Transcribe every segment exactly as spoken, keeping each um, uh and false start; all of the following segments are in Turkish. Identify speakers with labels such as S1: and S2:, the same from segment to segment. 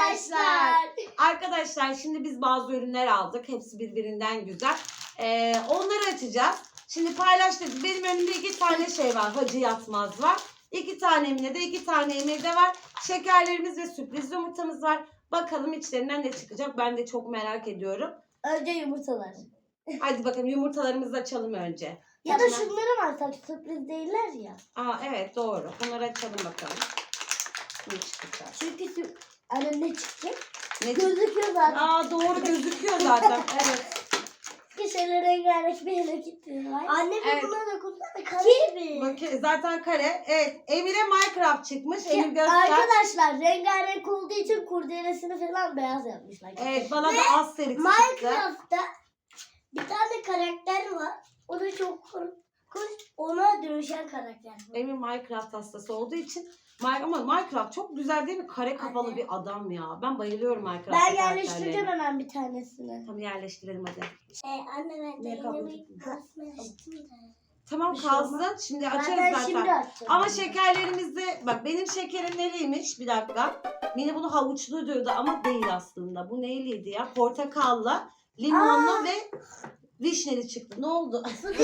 S1: arkadaşlar.
S2: Arkadaşlar şimdi biz bazı ürünler aldık. Hepsi birbirinden güzel. Ee, onları açacağız. Şimdi paylaştık. Benim önümde iki tane şey var. Hacı Yatmaz var. İki tane Emine de, iki tane Emir'de var. Şekerlerimiz ve sürpriz yumurtamız var. Bakalım içlerinden ne çıkacak. Ben de çok merak ediyorum.
S1: Önce yumurtalar.
S2: Hadi bakalım yumurtalarımızı açalım önce.
S1: Ya da
S2: Hemen-
S1: şunları mı alsak, sürpriz değiller ya.
S2: Aa evet doğru. Bunları açalım bakalım. Ne çıkacak?
S1: Çünkü sür- Anne ne çıkacak?
S2: Ne çık-
S1: Gözüküyor zaten.
S2: Aa doğru gözüküyor zaten. Evet.
S1: Kişiler rengarenk bir yere gitti. Anne
S2: Evet.
S1: buna dokunsana kare gibi.
S2: Bakın zaten kare. Evet. Emir'e Minecraft çıkmış. Emir göster.
S1: Arkadaşlar rengarenk olduğu için kurdelesini falan beyaz yapmışlar.
S2: Evet bana da Asterix çıktı.
S1: Minecraft'ta bir tane karakter var. O da çok korkunç. Ona dönüşen karakter.
S2: Emir Minecraft hastası olduğu için Mi- ama Minecraft çok güzel değil mi? Kare kafalı
S1: Anne.
S2: bir adam ya. Ben bayılıyorum Minecraft
S1: Ben
S2: karakterlerine.
S1: yerleştireceğim hemen bir tanesini.
S2: Tamam yerleştirelim hadi.
S1: Ee, anne ben
S2: Ne
S1: de
S2: kabul
S1: yeni
S2: ettin?
S1: bir kasmıştım da.
S2: Tamam
S1: Bir şey
S2: kalsın.
S1: olmaz.
S2: Şimdi açarız
S1: Zaten
S2: zaten.
S1: şimdi açacağım.
S2: Ama şekerlerimizde bak benim şekerim neliymiş? Bir dakika. Mine bunu havuçlu diyordu ama değil aslında. Bu neyliydi ya? Portakalla, limonlu
S1: Aa!
S2: ve vişneli çıktı. Ne oldu?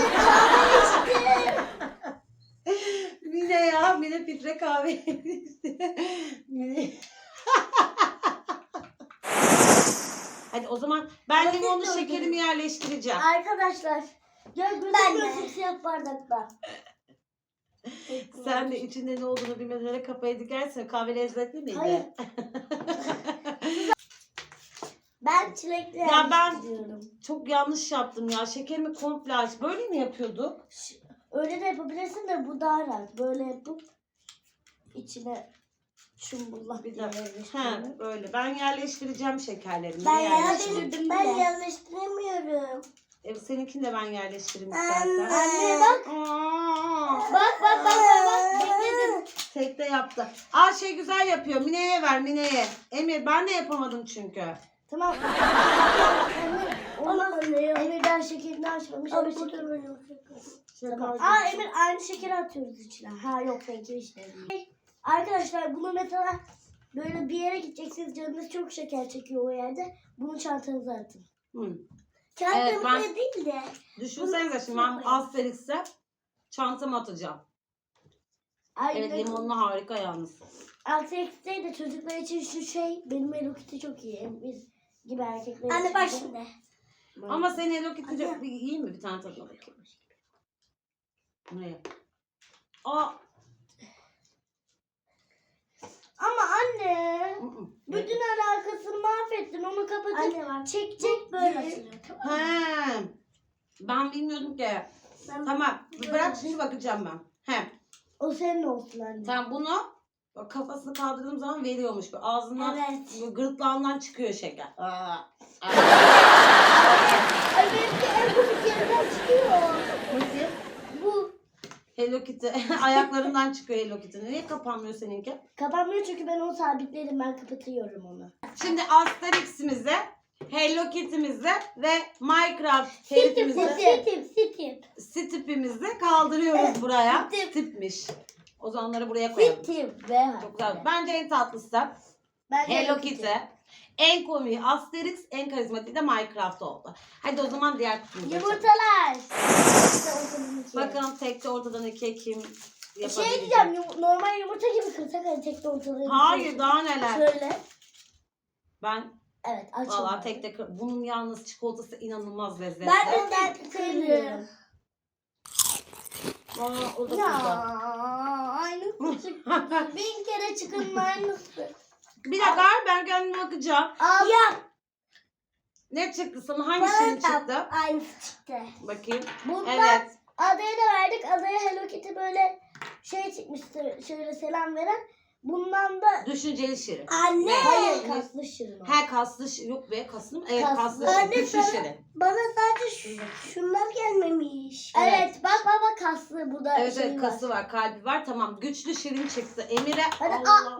S2: Mine ya. Mine filtre kahve içti. Mine. Hadi o zaman ben
S1: Ama
S2: limonlu
S1: siz de
S2: şekerimi yerleştireceğim.
S1: Arkadaşlar. Ya gözükmüyorsun siyah bardakta.
S2: Sen de içinde ne olduğunu bilmeden kafayı dikersen kahve lezzetli miydi?
S1: Hayır. Ben çilekli
S2: Ya ben-
S1: yerleştiriyorum.
S2: Çok yanlış yaptım ya. Şekerimi komple aç. Böyle mi yapıyorduk?
S1: Öyle de yapabilirsin de bu daha rahat. Böyle yapıp içine çumbullah
S2: Bir
S1: diye
S2: dakika. He,
S1: yerleştiriyorum.
S2: böyle. Ben yerleştireceğim şekerlerimi.
S1: Ben
S2: Yerleştireyim.
S1: yerleştirdim ben yerleştiremiyorum.
S2: E, seninkini de ben yerleştireyim
S1: Anne.
S2: istersen.
S1: Anne bak.
S2: Aa,
S1: Bak bak bak bak bak. Bekledim.
S2: tekte yaptı. Aa şey güzel yapıyor. Mine'ye ver Mine'ye. Emir ben de yapamadım çünkü.
S1: Tamam. Olmaz. Emir daha şekerini açmamış. Ama şeker. Tamam. Aa Emir aynı şekeri atıyoruz içine. Ha yok seninki işte değil. Arkadaşlar bunu mesela böyle bir yere gideceksiniz, canınız çok şeker çekiyor o yerde. Bunu çantanıza atın.
S2: Hı.
S1: Çantanıza
S2: ben-
S1: değil de.
S2: Düşünsenize şimdi ben Asterix'e çantama atacağım.
S1: Ay,
S2: Evet limonlu harika yalnız.
S1: Asterix'te de çocuklar için şu şey benim Hello Kitty çok iyi. Biz gibi erkekler için.
S3: Anne bak
S1: de.
S3: şimdi.
S1: Böyle.
S2: Ama sen Hello Kitty çok bir yiyeyim mi bir tane tadına bakayım. Ne? Aa.
S1: Ama anne.
S2: ı, ı.
S1: Bütün alakasını mahvettin. Onu kapatıp
S3: Anne bak.
S1: çekecek
S3: Böyle
S1: böyle.
S3: açılıyor. Tamam.
S2: He. Ben bilmiyordum ki.
S1: Ben-
S2: Tamam. Bırak şimdi bakacağım ben. He.
S1: O senin olsun anne.
S2: Sen bunu bak, kafasını kaldırdığım zaman veriyormuş. Böyle ağzından,
S1: Evet.
S2: böyle gırtlağından çıkıyor şeker. Aa. Aa.
S1: Ay benimki en komik yerinden çıkıyor.
S2: Nasıl?
S1: Bu
S2: Hello Kitty. Ayaklarından çıkıyor Hello Kitty'nin. Niye kapanmıyor seninki?
S1: kapanmıyor çünkü ben onu sabitledim. Ben kapatıyorum onu.
S2: Şimdi Asterix'imize, Hello Kitty'mize ve Minecraft
S1: Sitip
S2: herifimizi,
S1: sitip sitip.
S2: Stip'imizi kaldırıyoruz buraya.
S1: Stip.
S2: Stip'miş. O zaman onları buraya koyalım.
S1: Sitip ve
S2: Çok güzel. Bence en tatlısı
S1: Ben
S2: Hello Kitty. En komiği Asterix, en karizmatiği de Minecraft oldu. Hadi o zaman diğer kutumuzu açalım.
S1: Yumurtalar. İşte ortadan iki.
S2: Bakalım tekte ortadan ikiye kim
S1: Şey
S2: yapabilecek?
S1: diyeceğim yum- normal yumurta gibi kırsak hani tekte ortadan ikiye.
S2: Hayır daha neler.
S1: Şöyle.
S2: Ben
S1: Evet açalım.
S2: valla tekte kır- bunun yalnız çikolatası inanılmaz lezzetli.
S1: Ben de tekte kırıyorum.
S2: Aa, o da
S1: Ya
S2: burada.
S1: aynısı çıktı. Bin kere çıkın aynısı.
S2: Bir dakika ben kendime bakacağım.
S1: Al. Ya.
S2: Ne çıktı sana? Hangisinin çıktı?
S1: Aynısı çıktı.
S2: Bakayım.
S1: Bundan
S2: Evet.
S1: adaya da verdik. Adaya Hello Kitty böyle şey çıkmıştı. Şöyle selam veren. Bundan da
S2: Düşünceli şirin.
S3: Anne.
S2: Ve-
S1: hayır kaslı şirin o.
S2: He kaslı şirin. Yok be kaslı mı? Evet
S1: Kaslı.
S2: kaslı şirin.
S3: Anne,
S2: Güçlü
S3: sana-
S2: şirin.
S3: Bana sadece şu, şunlar gelmemiş.
S2: Evet.
S1: Evet bak bak bak kaslı burada
S2: Evet
S1: şey
S2: evet
S1: var.
S2: kası var, kalbi var. Tamam. Güçlü şirin çıktı. Emir'e
S1: Hadi,
S2: Allah.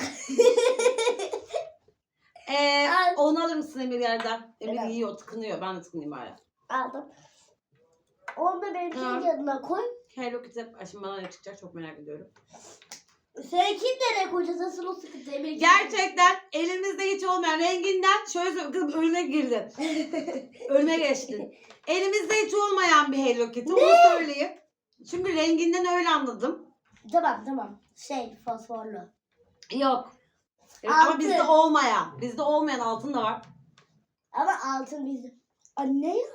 S2: Ee,
S1: Al.
S2: onu alır mısın Emir yerden? Emir
S1: Evet.
S2: yiyor, tıkınıyor. Ben de tıkınayım hala.
S1: Aldım. Onu da benimkinin
S2: Ha.
S1: yanına koy.
S2: Hello Kitty. Ay, şimdi bana ne çıkacak çok merak ediyorum.
S1: Seninki nereye koyacağız? Asıl o sıkıntı. Emir
S2: Gerçekten elimizde hiç olmayan renginden şöyle söyleyeyim, kızım önüne girdin. Önüme geçtin. Elimizde hiç olmayan bir Hello Kitty. Onu söyleyeyim. Çünkü renginden öyle anladım.
S1: Tamam tamam. Şey fosforlu.
S2: Yok. Evet, ama
S1: Altın.
S2: bizde olmayan. Bizde olmayan altın da var.
S1: Ama altın bizde. Aa ne ya?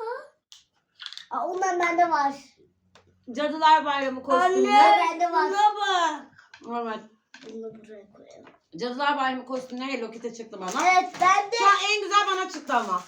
S1: Aa, ondan bende var.
S2: Cadılar Bayramı kostümü.
S1: bende var.
S3: bak.
S2: Normal.
S1: Bunu buraya koyalım.
S2: Cadılar Bayramı kostümleri Hello Kitty çıktı bana.
S1: Evet bende.
S2: Şu an en güzel bana çıktı ama.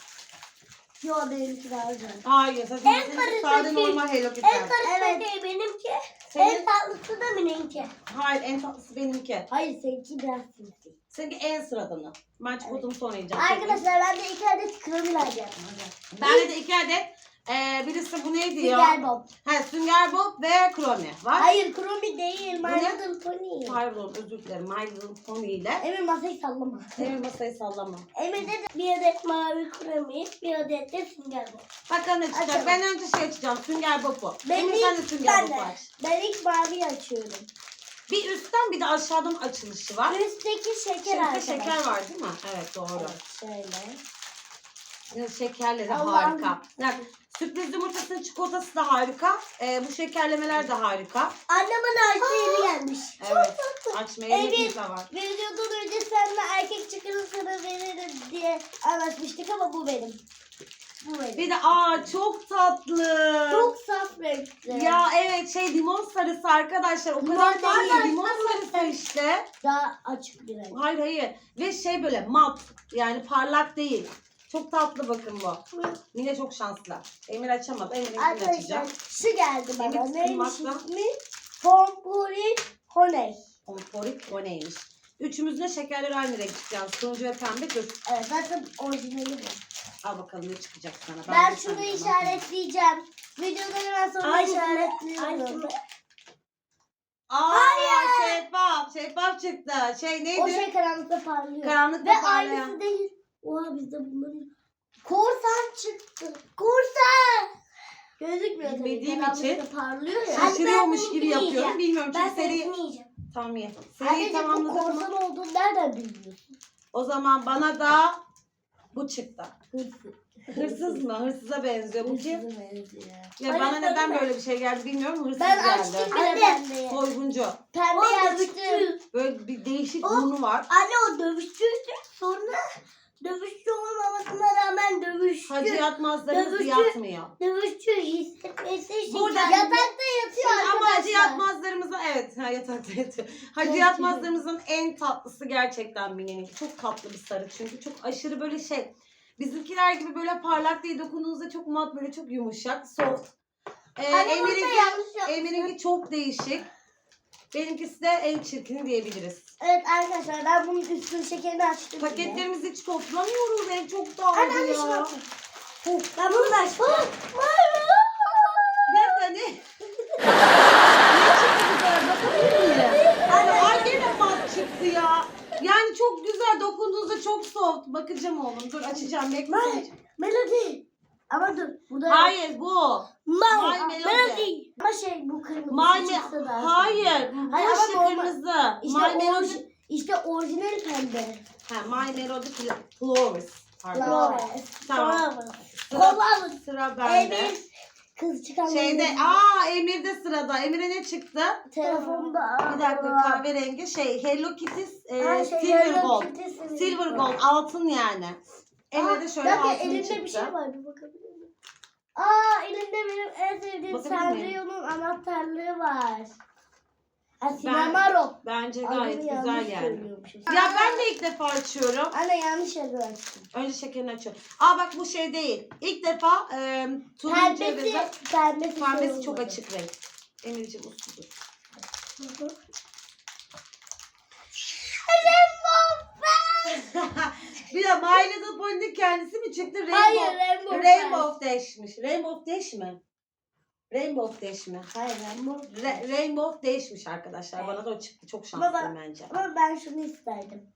S1: Yo benimki daha güzel.
S2: Hayır. Sen
S3: En
S2: en
S3: karışık
S2: sade
S3: şey-
S2: normal Hello Kitty.
S3: En karışık
S1: Evet.
S3: şey benimki.
S2: Senin,
S3: En tatlısı da benimki.
S2: hayır en tatlısı benimki.
S1: Hayır seninki biraz sinsi.
S2: Seninki en sıradanı. Ben çikolatamı sonra yiyeceğim.
S1: Arkadaşlar ben de iki adet kremi alacağım.
S2: Bende de iki adet. Ee, birisi bu neydi ya?
S1: Sünger Bob.
S2: Ha, Sünger Bob ve Kromi var.
S1: Hayır kremi değil. My
S2: Bu ne?
S1: Little Pony.
S2: Pardon özür dilerim. My Little Pony ile.
S1: Emir masayı sallama.
S2: Emir masayı sallama.
S1: Emir'de de
S3: Bir adet mavi kremi, bir adet de sünger bob.
S2: Bakalım ne çıkacak.
S1: Açalım.
S2: Ben önce şey açacağım. Sünger Bob'u.
S1: Ben
S2: Emir
S1: ilk-
S2: sen de Sünger
S1: ben
S2: Bob
S1: de.
S2: aç.
S1: ben ilk maviyi açıyorum.
S2: Bir üstten bir de aşağıdan açılışı var.
S1: Üstteki şeker
S2: Şeker,
S1: arkadaşlar.
S2: şeker var değil mi? Evet doğru.
S1: Evet, şöyle.
S2: Evet, şekerleri
S1: Allah'ım.
S2: harika. Yani, sürpriz yumurtasının çikolatası da harika. Ee, bu şekerlemeler de harika.
S1: Anne bana açtı yeni gelmiş.
S2: Evet. Açmaya
S1: Evet.
S2: niyetimiz de var.
S1: Videodan önce seninle erkek çıkarı sana veririm diye anlaşmıştık ama bu benim. Bu benim.
S2: Bir de aa çok tatlı.
S1: Çok saf renkli.
S2: Ya evet şey limon sarısı arkadaşlar. O kadar
S1: Limon
S2: tatlı.
S1: sarısı.
S2: Limon sarısı işte.
S1: Daha açık bir renk.
S2: Hayır hayır. Ve şey böyle mat. Yani parlak değil. Çok tatlı bakın bu. Yine çok şanslı. Emir açamadı. Emir'inkini
S1: Arkadaşlar
S2: açacağım.
S1: şu geldi bana.
S2: Emir
S1: Neymiş
S2: kırmakla.
S1: ismi? Pompuri Honey.
S2: Pomporik o neymiş? Üçümüzün de şekerleri aynı renk çıkacağız. Turuncu ve pembe dur.
S1: Evet zaten orijinali bu.
S2: Al bakalım ne çıkacak sana.
S1: Ben,
S2: de
S1: şunu
S2: senden
S1: işaretleyeceğim. Videodan hemen sonra
S3: Aynısı-
S1: işaretliyorum.
S3: aynısı-
S2: Aa şeffaf. Şeffaf çıktı. Şey neydi?
S1: O şey karanlıkta parlıyor.
S2: Karanlıkta
S1: Ve
S2: parlayan.
S1: aynısı değil. Oha bizde bunların. Korsan çıktı. Korsan. Gözükmüyor tabii.
S2: Bilmediğim
S1: Karanlıkta
S2: için
S1: parlıyor ya.
S2: Şaşırıyormuş
S3: ben
S2: gibi
S3: bunu
S2: yapıyorum.
S3: yiyeceğim.
S2: Bilmiyorum
S3: Ben
S2: çünkü seri...
S3: seni yiyeceğim.
S2: Tamam ye. Seriyi
S1: Anneciğim bu
S2: tamamladık
S1: korsan
S2: mı?
S1: olduğunu nereden biliyorsun?
S2: O zaman bana da bu çıktı.
S1: Hırsız.
S2: Hırsız mı? Hırsıza benziyor bu kim?
S1: Hırsızı benziyor.
S2: Ya
S3: Hayır,
S2: bana neden
S3: söyleme.
S2: böyle bir şey geldi bilmiyorum. Hırsız
S1: Ben
S2: geldi.
S1: açtım bile
S3: Anne.
S1: bendeyi.
S2: Soyguncu.
S1: Pembeyi
S3: O
S1: açtım.
S3: dövüşçü.
S2: Böyle bir değişik
S3: O-
S2: burnu var.
S3: Anne o dövüşçüydü. Sonra dövüşçü olmamasına rağmen dövüşçü.
S2: Hacı yatmazlarımız
S3: Dövüşçü.
S2: yatmıyor.
S3: Dövüşçü hissetmesi için.
S2: Burada-
S3: kendini-
S1: Yatakta yatıyor
S2: Ama
S1: arkadaşlar.
S2: hacı yatmazlarımızın evet ha, yatakta yatıyor. Hacı
S1: Çok
S2: yatmazlarımızın en tatlısı gerçekten Mine'nin. Çok tatlı bir sarı çünkü çok aşırı böyle şey. Bizimkiler gibi böyle parlak değil, dokunduğunuzda çok mat böyle çok yumuşak, soft. Ee,
S3: Anne burada
S2: Emir'inki,
S3: yanlış yapmışsın.
S2: Emir'inki çok değişik. Benimkisi de en çirkini diyebiliriz.
S1: Evet arkadaşlar ben bunun üstünün şekerini açtım. bile.
S2: Paketlerimizi hiç toplamıyoruz. Ev çok
S1: Anne
S2: dağıldı
S1: anne
S2: ya.
S1: şuna bak.
S3: Ben bunu da açtım.
S2: Bir dakika ne? Ne çıktı bu kadar? Bakabilir miyim? Ay gene mat çıktı ya. Yani çok güzel dokunduğunuzda çok soft. Bakacağım oğlum. Dur açacağım. Bekle.
S1: Hayır. Melody. Ama dur. Burada
S2: Hayır bu. My
S3: Mal.
S2: Melody.
S3: Melody.
S1: ama şey bu kırmızı
S2: My
S1: çıksa daha
S2: Hayır.
S1: sevdim.
S2: Bu
S1: Hayır, ama
S2: işte
S1: normal.
S2: kırmızı.
S1: İşte,
S2: My Melody.
S1: orji, işte orijinal pembe.
S2: Ha, My Melody Flowers. Pardon.
S1: Flowers.
S2: Tamam.
S1: Flowers.
S2: Sıra,
S1: Flowers.
S2: sıra bende.
S1: Emir. Kız çıkan
S2: Şeyde,
S1: benim.
S2: aa Emir'de sırada. Emir'e ne çıktı?
S1: Telefonda.
S2: Bir dakika kahverengi şey Hello Kitty e,
S1: Ha, şey,
S2: Silver
S1: Hello
S2: Gold.
S1: Kitty Silver
S2: Silver
S1: Gold.
S2: Gold altın yani. Emir'de
S1: Aa,
S2: şöyle
S1: bir dakika,
S2: altın
S1: elinde
S2: çıktı.
S1: bir şey var bir bakabilir miyim? Aa elinde benim en sevdiğim
S2: Bakabilir miyim?
S1: Sanrio'nun anahtarlığı var. Ha Sinemaro.
S2: Bence
S1: Adını
S2: gayet güzel
S1: yanlış
S2: yani.
S1: söylüyormuşum.
S2: Ya ben de ilk defa açıyorum.
S1: Anne yanlış yazı açtım.
S2: Önce şekerini açıyorum. Aa bak bu şey değil. İlk defa e, turuncu
S1: Pembesi,
S2: ve
S1: pembesi,
S2: pembesi
S1: şey
S2: çok
S1: olmadı.
S2: açık renk. Emir'ciğim usludur. Bir de My Little Pony'nin kendisi mi çıktı? Rainbow,
S1: Hayır Rainbow.
S2: Rainbow Dash'miş. Rainbow Dash mi? Rainbow Dash mi?
S1: Hayır Rainbow.
S2: Ra- Rainbow Dash'miş arkadaşlar. Bana da o çıktı. Çok şanslıyım bence.
S1: Ama ben şunu isterdim.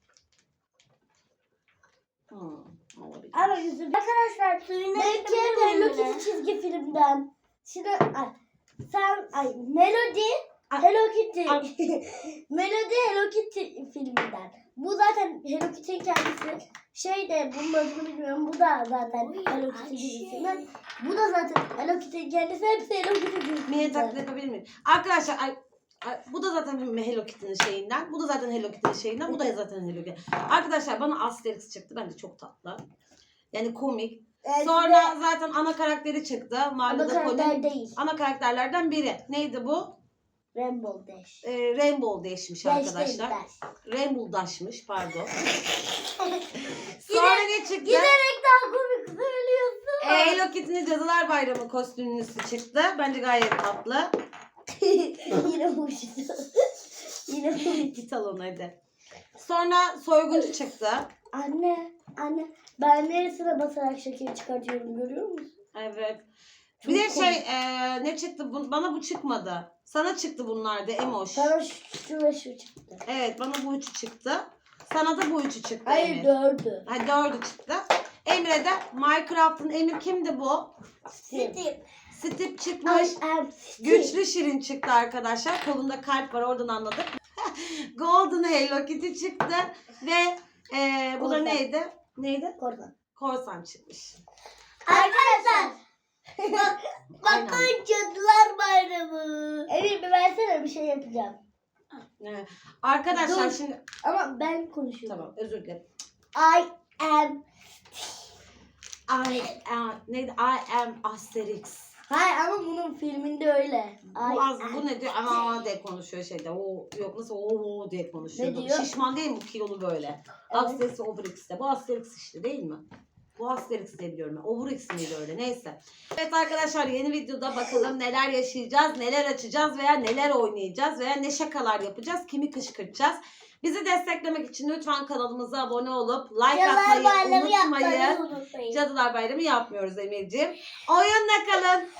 S2: Hmm, olabilir.
S1: Ama yüzüm.
S3: Arkadaşlar suyunu
S1: Belki
S3: ekleyebilir
S1: Hello
S3: miyim?
S1: Kitty çizgi filmden. Şimdi ay, sen ay Melody Hello Kitty.
S2: Ay.
S1: Melody Hello Kitty filminden. Bu zaten Hello Kitty'nin kendisi. Şey de bunun adını bilmiyorum. Bu da zaten Hello Kitty dizisinden. Bu da zaten Hello Kitty'nin kendisi. Hepsi Hello Kitty dizisinden.
S2: Mini taklit yapabilir miyim? Arkadaşlar ay, ay, bu da zaten Hello Kitty'nin şeyinden. Bu da zaten Hello Kitty'nin şeyinden. Bu da zaten Hello Kitty. Arkadaşlar bana Asterix çıktı. Bence çok tatlı. Yani komik.
S1: Evet,
S2: Sonra zaten ana karakteri çıktı.
S1: Ama
S2: Mahalle'de
S1: karakter
S2: Colin'in
S1: değil.
S2: ana karakterlerden biri. Neydi bu?
S1: Rainbow Dash.
S2: Ee, Rainbow Dash'miş
S1: Dash
S2: arkadaşlar.
S1: değil, Dash.
S2: Rainbow Dash'mış pardon. Sonra ne çıktı?
S1: Giderek daha komik söylüyorsun.
S2: Ee, Hello Kitty'nin Cadılar Bayramı kostümlüsü çıktı. Bence gayet tatlı.
S1: Yine uçtu. Yine uçtu.
S2: Git al onu hadi. Sonra soyguncu çıktı.
S1: Anne, anne. Ben neresine basarak şekeri çıkartıyorum görüyor musun?
S2: Evet.
S1: Çok
S2: Bir de
S1: komik.
S2: şey e, ne çıktı? Bu- Bana bu çıkmadı. Sana çıktı bunlar da Emoş.
S1: Sana şu, şu ve şu çıktı.
S2: Evet bana bu üçü çıktı. Sana da bu üçü çıktı
S1: Hayır
S2: Emir.
S1: dördü.
S2: Ha, dördü çıktı. Emre de Minecraft'ın Emir kimdi bu?
S1: Steve.
S2: Steve çıkmış.
S1: I am Steve.
S2: Güçlü Şirin çıktı arkadaşlar. Kolunda kalp var oradan anladık. Golden Hello Kitty çıktı. Ve e, bu da
S1: Korsan.
S2: neydi? Neydi?
S1: Korkan.
S2: Korsan çıkmış.
S3: Arkadaşlar.
S2: Aynen.
S3: Bakın Cadılar Bayramı.
S1: Emir bir versene bir şey yapacağım.
S2: Evet. Arkadaşlar
S1: Dur.
S2: şimdi
S1: Ama ben konuşuyorum.
S2: tamam özür dilerim.
S1: I am.
S2: I am neydi? I am Asterix.
S1: Hayır ama bunun filminde öyle. I
S2: Bu az
S1: am.
S2: bu ne diyor? Aa diye konuşuyor şeyde. O yok nasıl o diye konuşuyor.
S1: Ne diyor?
S2: Şişman değil mi bu kilolu böyle? Asterix Obelix'te. Bu Asterix işte değil mi? Bu Asterix diye biliyorum ben. Obelix miydi öyle? Neyse. Evet arkadaşlar yeni videoda bakalım neler yaşayacağız, neler açacağız veya neler oynayacağız veya ne şakalar yapacağız, kimi kışkırtacağız. Bizi desteklemek için lütfen kanalımıza abone olup like
S3: Cadılar
S2: atmayı
S3: Bayramı
S2: unutmayın.
S3: yapmayı unutmayın.
S2: Cadılar Bayramı yapmıyoruz Emir'ciğim. Oyunla kalın.